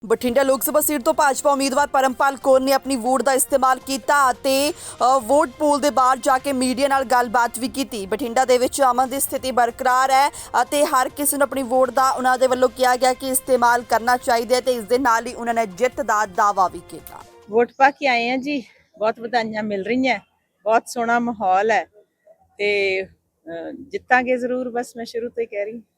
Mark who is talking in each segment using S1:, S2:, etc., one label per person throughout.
S1: ਬਠਿੰਡਾ ਲੋਕ ਸਭਾ ਸੀਟ ਤੋਂ ਭਾਜਪਾ ਉਮੀਦਵਾਰ ਪਰਮਪਾਲ ਕੌਰ ਨੇ ਆਪਣੀ ਵੋਟ ਦਾ ਇਸਤੇਮਾਲ ਕੀਤਾ ਅਤੇ ਵੋਟ ਪੂਲ ਦੇ ਬਾਹਰ ਜਾ ਕੇ ਮੀਡੀਆ ਨਾਲ ਗੱਲਬਾਤ ਵੀ ਕੀਤੀ। ਬਠਿੰਡਾ ਦੇ ਵਿੱਚ ਅਮਨ ਦੀ ਸਥਿਤੀ ਬਰਕਰਾਰ ਹੈ ਅਤੇ ਹਰ ਕਿਸੇ ਨੂੰ ਆਪਣੀ ਵੋਟ ਦਾ ਉਹਨਾਂ ਦੇ ਵੱਲੋਂ ਕਿਹਾ ਗਿਆ ਕਿ ਇਸਤੇਮਾਲ ਕਰਨਾ ਚਾਹੀਦਾ ਹੈ ਤੇ ਇਸ ਦੇ ਨਾਲ ਹੀ ਉਹਨਾਂ ਨੇ ਜਿੱਤ ਦਾ ਦਾਅਵਾ ਵੀ ਕੀਤਾ।
S2: ਵੋਟ ਪਾ ਕੇ ਆਏ ਆ ਜੀ, ਬਹੁਤ ਵਧਾਈਆਂ ਮਿਲ ਰਹੀਆਂ, ਬਹੁਤ ਸੋਹਣਾ ਮਾਹੌਲ ਹੈ ਤੇ ਜਿੱਤਾਂਗੇ ਜ਼ਰੂਰ। ਬਸ ਮੈਂ ਸ਼ੁਰੂ ਤੋਂ ਹੀ ਕਹਿ ਰਹੀ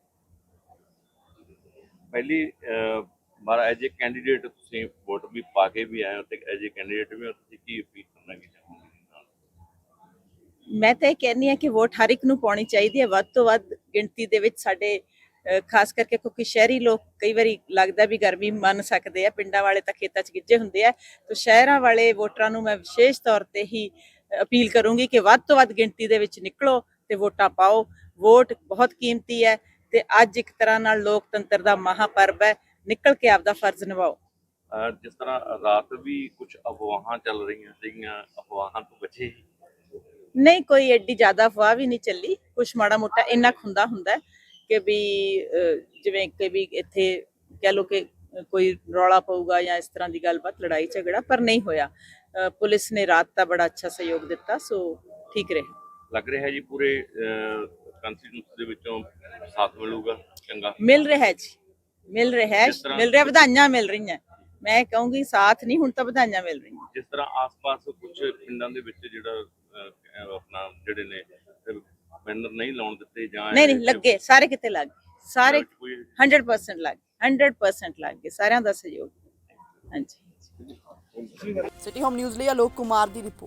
S3: ਪਹਿਲੀ ਬਾਰ ਐਜ ਏ ਕੈਂਡੀਡੇਟ ਤੁਸੀਂ ਵੋਟ ਵੀ ਪਾ ਕੇ ਵੀ ਆਏ ਹੋ ਤੇ ਐਜ ਏ ਕੈਂਡੀਡੇਟ ਵੀ ਤੁਸੀਂ ਕੀ ਅਪੀਲ ਕਰਨਾ ਚਾਹੋਗੇ?
S2: ਮੈਂ ਤਾਂ ਇਹ ਕਹਿੰਦੀ ਹਾਂ ਕਿ ਵੋਟ ਹਰ ਇੱਕ ਨੂੰ ਪਾਉਣੀ ਚਾਹੀਦੀ ਹੈ, ਵੱਧ ਤੋਂ ਵੱਧ ਗਿਣਤੀ ਦੇ ਵਿੱਚ। ਸਾਡੇ ਖਾਸ ਕਰਕੇ ਕਿਉਂਕਿ ਸ਼ਹਿਰੀ ਲੋਕ ਕਈ ਵਾਰੀ ਲੱਗਦਾ ਵੀ ਗਰਮੀ ਮੰਨ ਸਕਦੇ ਆ, ਪਿੰਡਾਂ ਵਾਲੇ ਤਾਂ ਖੇਤਾਂ 'ਚ ਗਿੱਜੇ ਹੁੰਦੇ ਆ, ਤਾਂ ਸ਼ਹਿਰਾਂ ਵਾਲੇ ਵੋਟਰਾਂ ਨੂੰ ਮੈਂ ਵਿਸ਼ੇਸ਼ ਤੌਰ ਤੇ ਹੀ ਅਪੀਲ ਕਰੂੰਗੀ ਕਿ ਵੱਧ ਤੋਂ ਵੱਧ ਗਿਣਤੀ ਦੇ ਵਿੱਚ ਨਿਕਲੋ ਤੇ ਵੋਟਾਂ ਪਾਓ। ਵੋਟ ਬਹੁਤ ਕੀਮਤੀ ਹੈ ਤੇ ਅੱਜ ਇੱਕ ਤਰ੍ਹਾਂ ਨਾਲ ਲੋਕਤੰਤਰ ਦਾ ਮਹਾਪਰਵ ਹੈ, ਨਿਕਲ ਕੇ ਆਪਦਾ ਫਰਜ਼ ਨਿਭਾਓ।
S3: ਜਿਸ ਤਰ੍ਹਾਂ ਰਾਤ ਵੀ ਕੁਝ ਅਫਵਾਹਾਂ ਚੱਲ ਰਹੀਆਂ ਸੀਗੀਆਂ, ਅਫਵਾਹਾਂ ਤੋਂ ਬਚੇ ਹੀ?
S2: ਨਹੀਂ, ਕੋਈ ਐਡੀ ਜ਼ਿਆਦਾ ਅਫਵਾਹ ਵੀ ਨਹੀਂ ਚੱਲੀ। ਕੁਛ ਮਾੜਾ ਮੋਟਾ ਇੰਨਾ ਹੁੰਦਾ ਕਿ ਵੀ ਜਿਵੇਂ ਕਿ ਵੀ ਇੱਥੇ ਕਹਿ ਲਓ ਕਿ ਕੋਈ ਰੌਲਾ ਪਊਗਾ ਜਾਂ ਇਸ ਤਰ੍ਹਾਂ ਦੀ ਗੱਲਬਾਤ, ਲੜਾਈ ਝਗੜਾ, ਪਰ ਨਹੀਂ ਹੋਇਆ। ਪੁਲਿਸ ਨੇ ਰਾਤ ਦਾ ਬੜਾ ਅੱਛਾ ਸਹਿਯੋਗ ਦਿੱਤਾ, ਸੋ ਠੀਕ ਰਿਹਾ।
S3: ਲੱਗ ਰਿਹਾ ਜੀ ਪੂਰੇ ਕੰਸਟੀਟਿਊਂਸੀ ਦੇ ਵਿੱਚੋਂ ਸਾਥ ਮਿਲੂਗਾ ਚੰਗਾ?
S2: ਮਿਲ ਰਿਹਾ ਜੀ, ਮਿਲ ਰਿਹਾ, ਵਧਾਈਆਂ ਮਿਲ ਰਹੀਆਂ। ਮੈਂ ਕਹੂੰਗੀ ਸਾਥ ਨਹੀਂ, ਹੁਣ ਤਾਂ ਵਧਾਈਆਂ ਮਿਲ ਰਹੀਆਂ।
S3: ਜਿਸ ਤਰ੍ਹਾਂ ਆਸ-ਪਾਸ ਕੁਝ ਪਿੰਡਾਂ ਦੇ ਵਿੱਚ ਜਿਹੜਾ ਆਪਣਾ ਜਿਹੜੇ ਨੇ ਬੈਨਰ ਨਹੀਂ ਲਾਉਣ ਦਿੱਤੇ ਜਾਂ
S2: ਨਹੀਂ ਲੱਗੇ, ਸਾਰੇ ਕਿਤੇ ਲੱਗ ਗਏ, ਸਾਰੇ 100% ਲੱਗ ਗਏ, 100% ਲੱਗ ਗਏ, ਸਾਰਿਆਂ ਦਾ ਸਹਿਯੋਗ। ਹਾਂਜੀ।
S1: ਸਿਟੀ ਹੋਮ ਨਿਊਜ਼ ਲਈ ਆਲੋਕ ਕੁਮਾਰ ਦੀ ਰਿਪੋਰਟ।